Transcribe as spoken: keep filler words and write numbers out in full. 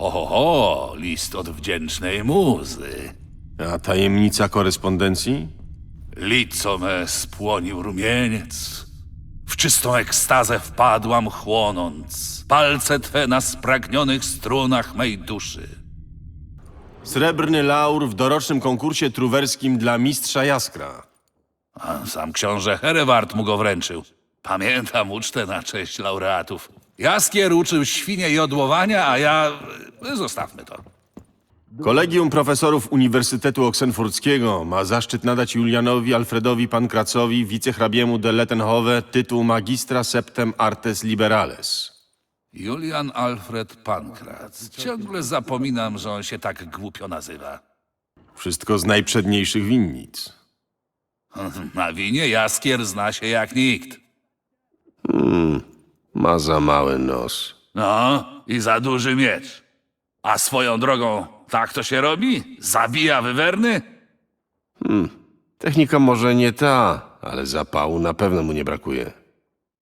Ho, ho, ho, list od wdzięcznej muzy. A tajemnica korespondencji? Lico me spłonił rumieniec. W czystą ekstazę wpadłam chłonąc. Palce twe na spragnionych strunach mej duszy. Srebrny laur w dorocznym konkursie truwerskim dla mistrza Jaskra. A sam książę Herewart mu go wręczył. Pamiętam ucztę na cześć laureatów. Jaskier uczył świnie jodłowania, a ja... Zostawmy to. Kolegium Profesorów Uniwersytetu Oksenfurckiego ma zaszczyt nadać Julianowi Alfredowi Pankracowi, wicehrabiemu de Lettenhove, tytuł magistra septem artes liberales. Julian Alfred Pankrat. Ciągle zapominam, że on się tak głupio nazywa. Wszystko z najprzedniejszych winnic. Na winie Jaskier zna się jak nikt. Ma za mały nos. No, i za duży miecz. A swoją drogą, tak to się robi? Zabija wywerny? Technika może nie ta, ale zapału na pewno mu nie brakuje.